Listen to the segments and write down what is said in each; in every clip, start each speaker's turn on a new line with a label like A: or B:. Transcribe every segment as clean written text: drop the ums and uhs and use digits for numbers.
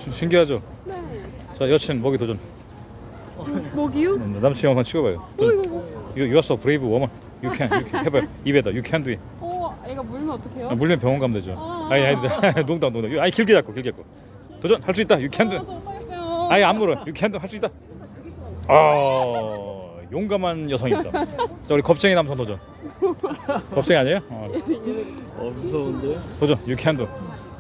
A: 신기하죠?
B: 네.
A: 자, 여친 먹이 도전.
B: 먹이요?
A: 남친 한번 찍어봐요.
B: 이거.
A: You are so brave woman. You can 해봐요. 입에다. You can do it.
B: 얘가 물면 어떡해요?
A: 물면 병원 가면 되죠.
B: 아.
A: 아니 농담. 아니 길게 잡고. 도전 할 수 있다. You can do.
B: 저 못하겠어요.
A: 아니 안 물어. You can do 할 수 있다. 용감한 여성입니다. 자, 우리 겁쟁이 남성 도전. 겁쟁이 아니에요?
C: 무서운데?
A: 도전. You can do.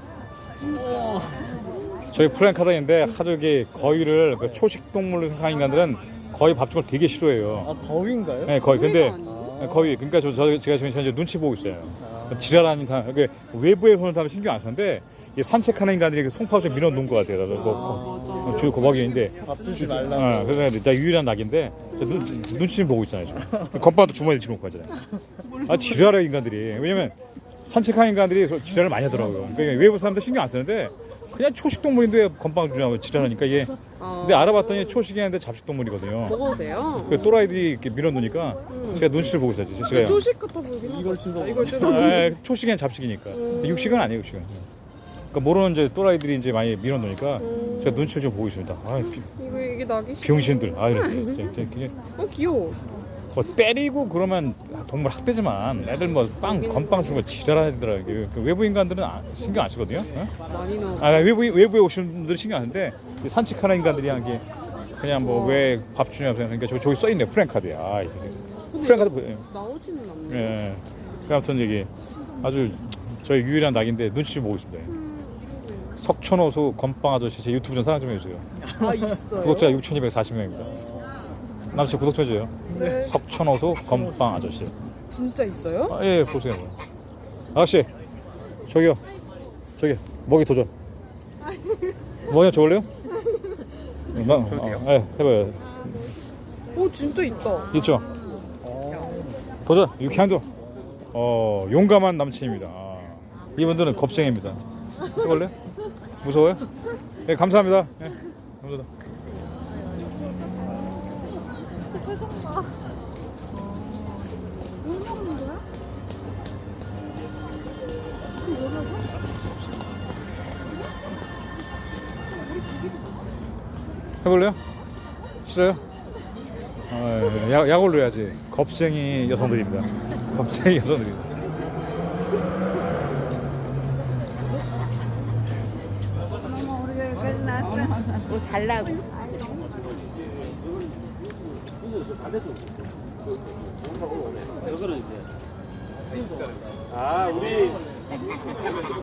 A: 저희 프랭카다인데 하도 이게 거위를 그 초식 동물로 생각하는 인간들은 거위 밥죽을 되게 싫어해요.
C: 아 거위인가요?
A: 네, 거위. 근데
B: 거위가
A: 거위. 그러니까 제가 지금 현재 눈치 보고 있어요. 지랄하니까 외부에 손을 타면 신경 안 쓰는데 이 산책하는 인간들이 송파구 좀 밀어놓은 것 같아요.
B: 맞아.
A: 주 고박이인데.
C: 밥 주지 말라고.
A: 그래서 나 유일한 낙인데 눈치 좀 보고 있잖아요. 지금. 건빵도 주머니에 집어넣고 하잖아요. 지랄해 인간들이. 왜냐면 산책하는 인간들이 지랄을 많이 하더라고요. 그러니까 외부 사람들 신경 안 쓰는데 그냥 초식 동물인데 건빵 주냐고 지랄하니까 이게. 근데 알아봤더니 초식이 아닌데 잡식 동물이거든요.
B: 먹어도 돼요?
A: 그 또라이들이 이렇게 밀어놓으니까 제가 눈치를 보고 있었지. 제가
B: 조식 같아 보이긴 하다.
C: 이걸 뜯어.
B: 이걸 뜯어.
A: 초식엔 잡식이니까. 육식은 아니에요, 육식은. 그러니까 모르는 이제 또라이들이 이제 많이 밀어놓으니까 제가 눈치를 좀 보고 있습니다.
B: 이게 낙이 싫어.
A: 병신들. 이랬어요.
B: 귀여워.
A: 뭐 때리고 그러면 동물 학대지만 애들 뭐 건빵 주고 지랄하더라고요. 그 외부 인간들은 신경 안 쓰거든요.
B: 많이 넣어.
A: 외부에 오시는 분들은 신경 안 쓰는데 산책하는 인간들이 한 게 그냥 뭐 왜 밥 주냐고 그러니까 저기 써 있네 프랭카드야. 프랭카드 보여요.
B: 나오지는 않네.
A: 예. 그 아무튼 이게 아주 저희 유일한 낙인데 눈치 좀 보고 있습니다. 석촌호수 건빵 아저씨 제 유튜브 좀 사랑 좀 해주세요.
B: 있어요?
A: 구독자 6,240명입니다. 남친 구독 좀 해줘요.
B: 네.
A: 석촌호수 건빵 아저씨.
B: 진짜 있어요?
A: 예, 보세요. 아저씨, 저기 먹이 도전. 뭐냐 저걸래요? 해봐요.
B: 진짜 있다.
A: 있죠? 도전, 유쾌한도. 용감한 남친입니다. 이분들은 겁쟁입니다. 해볼래요? 무서워요? 네, 감사합니다. 네, 감사합니다. 해볼래요? 싫어요? 약올로 해야지. 겁쟁이 여성들입니다. 겁쟁이 여성들입니다.
B: 뭐 달라고.
C: 저거는 이제 우리